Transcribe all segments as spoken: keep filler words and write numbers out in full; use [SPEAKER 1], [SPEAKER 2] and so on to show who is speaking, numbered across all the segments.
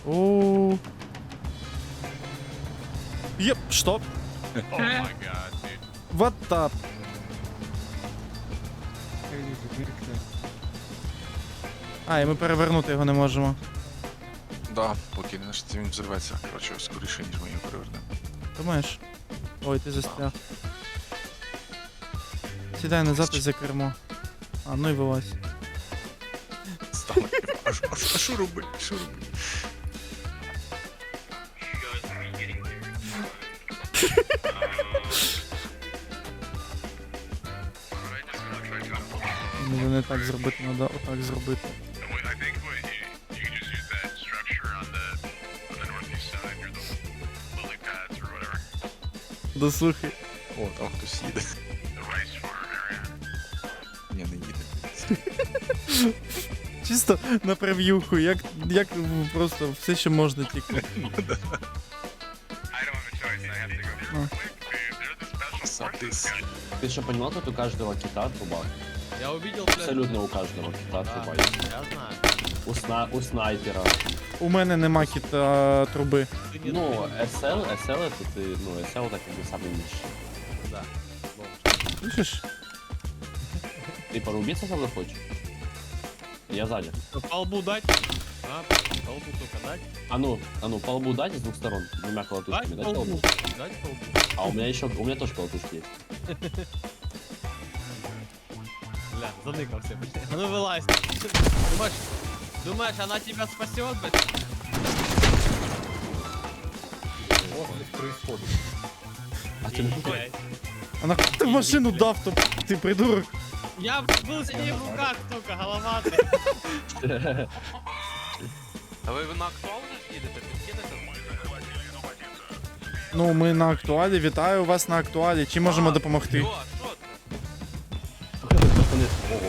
[SPEAKER 1] Оу. Єп, стоп.
[SPEAKER 2] Oh my god, dude.
[SPEAKER 1] What the? А, і ми перевернути його не можемо.
[SPEAKER 3] Да, поки не він взорветься. Коротше, скоріше, ніж ми його перевернемо.
[SPEAKER 1] Думаєш? Ой, ти застряг. Сідай назад і за кермо. А, ну і вилазь.
[SPEAKER 3] Стало. А що- а що- а що робити? Що робити?
[SPEAKER 1] Ну, не так зробити, треба отак зробити.
[SPEAKER 2] I think what you, you can just use that structure on the on the northeast side near the lily pads or whatever.
[SPEAKER 1] Да слухай.
[SPEAKER 3] О, там хтось їде.
[SPEAKER 2] The rice farm area.
[SPEAKER 3] Ні, не їде.
[SPEAKER 1] Чисто на прев'юху, як, як просто все, що можна тільки.
[SPEAKER 2] I don't have a choice. I have to go real
[SPEAKER 1] Oh.
[SPEAKER 2] quick, dude. They're the special
[SPEAKER 3] Садис.
[SPEAKER 2] forces, guys.
[SPEAKER 4] Ты что понимал, тут у каждого кита труба?
[SPEAKER 5] Я увидел, блядь.
[SPEAKER 4] Абсолютно у каждого кита
[SPEAKER 5] Да,
[SPEAKER 4] труба.
[SPEAKER 5] я знаю.
[SPEAKER 4] У, сна... у снайпера.
[SPEAKER 1] У мене нема кіта труби.
[SPEAKER 5] Ты не
[SPEAKER 4] Ну,
[SPEAKER 5] думай.
[SPEAKER 4] эс эл, эс эл это ты, ну, эс эл это как бы самый низший.
[SPEAKER 5] Да.
[SPEAKER 1] Слышиш?
[SPEAKER 4] Ты порубиться со мной хочешь? Я сзади.
[SPEAKER 5] По лбу дать? А, по лбу только дать.
[SPEAKER 4] А ну, а ну, по лбу дать с двух сторон, двумя
[SPEAKER 5] Дать
[SPEAKER 4] колотушками,
[SPEAKER 5] по
[SPEAKER 4] дать по
[SPEAKER 5] лбу.
[SPEAKER 4] лбу.
[SPEAKER 5] Дать по лбу.
[SPEAKER 4] А у меня еще, у меня тоже колотушки есть.
[SPEAKER 5] Бля, заныкался, блядь. А ну вылазь. Думаешь, думаешь, она тебя спасет, блядь?
[SPEAKER 4] А ты ну,
[SPEAKER 5] Блядь.
[SPEAKER 1] А нахуй ти в машину дав, то ти придурок.
[SPEAKER 5] Я был с ней в руках только, голова, блядь.
[SPEAKER 6] А ви на актуал вже їдете? Підкинете?
[SPEAKER 1] Ну, ми на актуалі, вітаю вас на актуалі. Чим можемо допомогти?
[SPEAKER 6] Що? Що це?
[SPEAKER 4] пацаны, ого.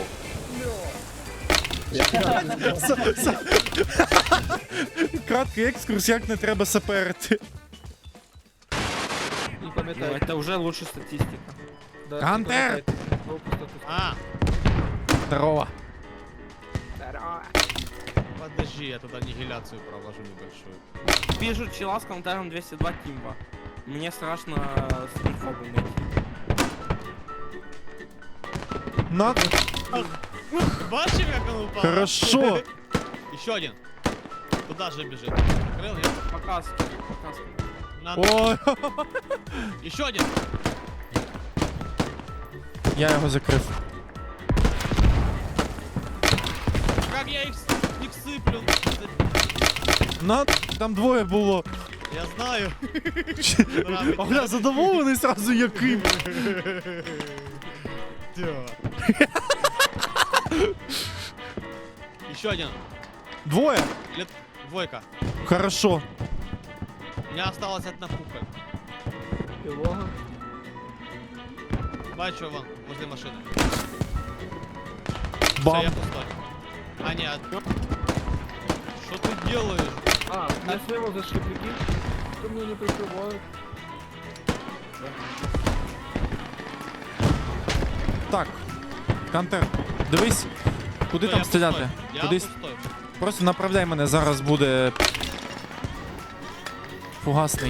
[SPEAKER 1] Краткий екскурс, як не треба саперити.
[SPEAKER 7] Не пам'ятаю. Это уже лучше статистика. Да, не
[SPEAKER 1] Гантер!
[SPEAKER 7] пам'ятайте. Пропуск статистики.
[SPEAKER 5] А,
[SPEAKER 1] Здорово.
[SPEAKER 5] подожди, я туда аннигиляцию проложу небольшую.
[SPEAKER 7] Вижу чела с комментарием двести два Тимба. Мне страшно с инфобом найти.
[SPEAKER 1] На...
[SPEAKER 5] Бачив, как он упал?
[SPEAKER 1] Хорошо.
[SPEAKER 5] Еще один. Куда же бежит? Открыл, нет?
[SPEAKER 7] Показ, показ.
[SPEAKER 5] На...
[SPEAKER 1] Ой,
[SPEAKER 5] Еще один.
[SPEAKER 1] я його закрив.
[SPEAKER 5] Как я их, с- их сыплю?
[SPEAKER 1] На, там двоє було.
[SPEAKER 5] Я знаю.
[SPEAKER 1] Огля, задоволений сразу яким.
[SPEAKER 5] Еще один.
[SPEAKER 1] Двоє?
[SPEAKER 5] Лет... Двойка.
[SPEAKER 1] Хорошо.
[SPEAKER 5] У меня осталась одна пуха.
[SPEAKER 7] Пилога.
[SPEAKER 5] Бачу вон, возле машины. Все,
[SPEAKER 1] Бам.
[SPEAKER 5] я пустой. А, нет. Что ты делаешь?
[SPEAKER 7] А, я слева зашли, прикинь. Кто меня не прикрывает?
[SPEAKER 1] Так. Кантер, дивись, куди
[SPEAKER 5] Всё,
[SPEAKER 1] там
[SPEAKER 5] я
[SPEAKER 1] стріляти?
[SPEAKER 5] пустой. Я
[SPEAKER 1] Кудись.
[SPEAKER 5] пустой.
[SPEAKER 1] Просто направляй мене, зараз буде фугасний.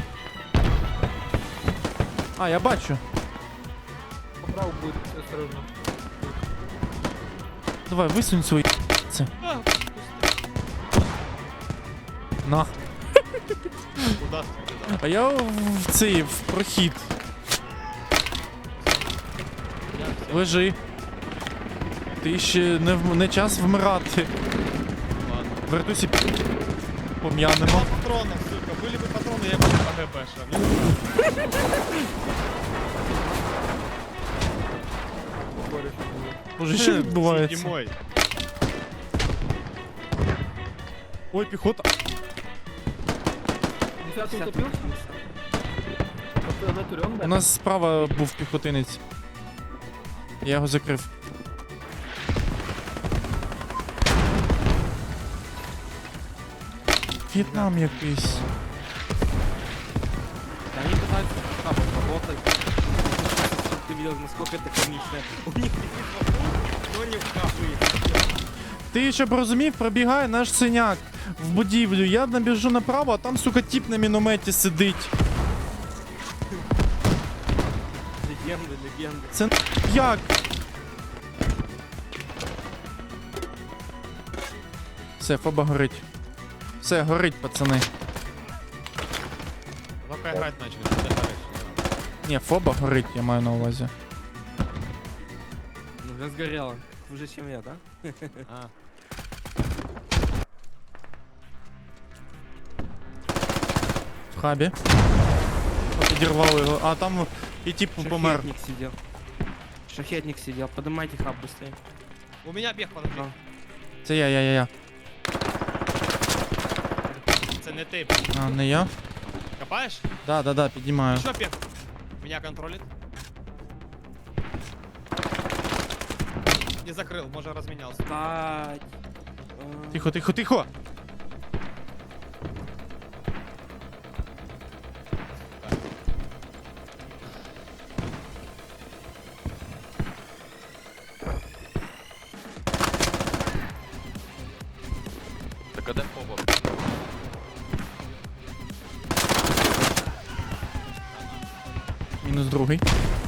[SPEAKER 1] А, я бачу.
[SPEAKER 7] Поправ будет, осторожно.
[SPEAKER 1] Давай, висунь свої це.
[SPEAKER 5] А,
[SPEAKER 1] На.
[SPEAKER 5] Куда стрелял?
[SPEAKER 1] А я в цей, в прохід.
[SPEAKER 5] Я всё.
[SPEAKER 1] Лежи. Ти ще не, в- не час вмирати.
[SPEAKER 5] Ладно.
[SPEAKER 1] Вертусі
[SPEAKER 5] Мало
[SPEAKER 1] пом'янемо.
[SPEAKER 5] патронов, сука. Были бы патроны, я бы АГП шел.
[SPEAKER 1] Боже, що відбувається?
[SPEAKER 5] Зимой.
[SPEAKER 1] Ой, піхота.
[SPEAKER 7] Нифига ты утопился? Это на турем,
[SPEAKER 1] У
[SPEAKER 7] да?
[SPEAKER 1] нас справа був піхотинець. Я його закрив. В'єтнам якийсь.
[SPEAKER 7] Они пытаются там работать. Ты видел, насколько это комично. У них но не в кафе.
[SPEAKER 1] Ти щоб розумів, пробігає наш синяк. в будівлю, я набіжу направо, а там, сука, тіп на мінометі сидить.
[SPEAKER 7] Легенди, легенди.
[SPEAKER 1] Це як? Все, фоба горить. Все, горить, пацани.
[SPEAKER 5] Пока играть начали, что ты говоришь?
[SPEAKER 1] Ні, фоба горить, я маю на увазі.
[SPEAKER 7] Ну, вже згоріло. Хуже, чем я, да?
[SPEAKER 5] А,
[SPEAKER 1] В хабі. О, підірвали його. А там і тип помер.
[SPEAKER 7] Шахетник сидел. Шахетник сидел. Поднимайте хаб быстрее.
[SPEAKER 5] у меня бег, подожди.
[SPEAKER 7] А.
[SPEAKER 1] Це я, я, я, я.
[SPEAKER 5] Це не ти.
[SPEAKER 1] А, не я?
[SPEAKER 5] Копаешь?
[SPEAKER 1] Да, да, да, піднімаю.
[SPEAKER 5] Еще бег. Меня контролит. Не закрыл, может разменялся.
[SPEAKER 7] Стать. А,
[SPEAKER 1] Тихо, тихо, тихо!
[SPEAKER 6] Так а де фоба?
[SPEAKER 1] Мінус другий.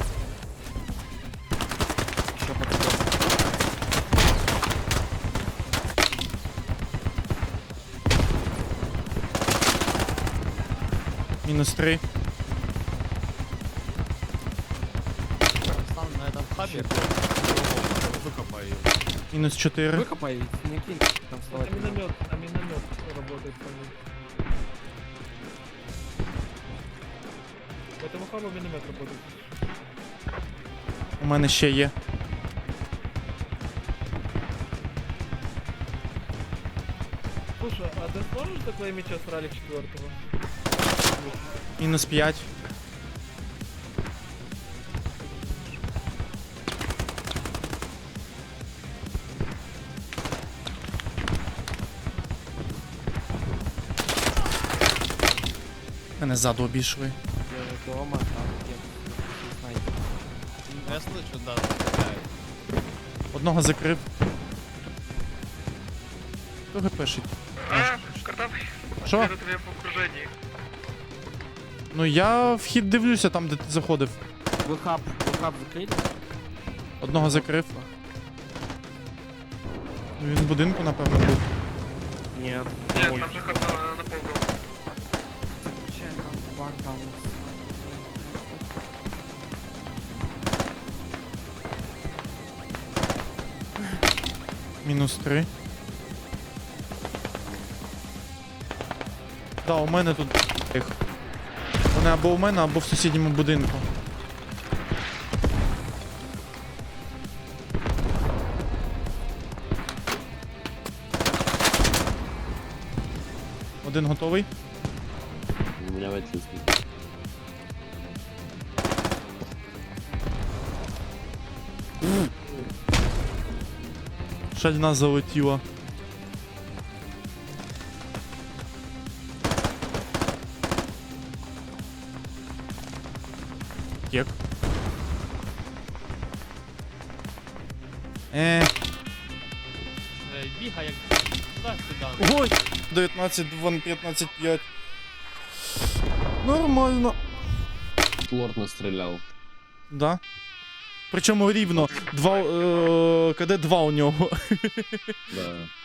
[SPEAKER 7] Еще подсказка.
[SPEAKER 1] Мінус три.
[SPEAKER 5] Сам на этом хабе. Выкопай ее.
[SPEAKER 1] Мінус чотири.
[SPEAKER 7] Выкопай, не кинь там вставать.
[SPEAKER 8] Миномет, а миномет работает по ним. По этому хабу миномет работает.
[SPEAKER 1] У мене ще є.
[SPEAKER 8] Слушай, а ты сможешь такое меча с ралик четвертого?
[SPEAKER 1] Мінус п'ять. Мене ззаду обійшли.
[SPEAKER 7] Я дома, там где снайпер.
[SPEAKER 5] Я слышу, да, стреляют.
[SPEAKER 1] Одного закрив. Хто гепешить? Що?
[SPEAKER 2] тебе по окружении.
[SPEAKER 1] Ну я вхід дивлюся там, де ти заходив.
[SPEAKER 7] Вы хаб, вы хаб закрыли?
[SPEAKER 1] Одного закрив. Ну, він в будинку, напевно, був.
[SPEAKER 7] Нет.
[SPEAKER 2] Нет, там же ход на, на полгода.
[SPEAKER 1] Мінус три. Да, у мене тут їх. Вони або у мене, або в сусідньому будинку. Один готовий.
[SPEAKER 4] У меня в эти
[SPEAKER 1] Шальна залетіла. Як? Е,
[SPEAKER 5] Е, Бігай як туди-сюди.
[SPEAKER 1] ой! дев'ятнадцять, два, п'ятнадцять, п'ять. Нормально.
[SPEAKER 4] лорд настрелял.
[SPEAKER 1] Да. Причому рівно. Два, е, КД два у нього.
[SPEAKER 4] Да.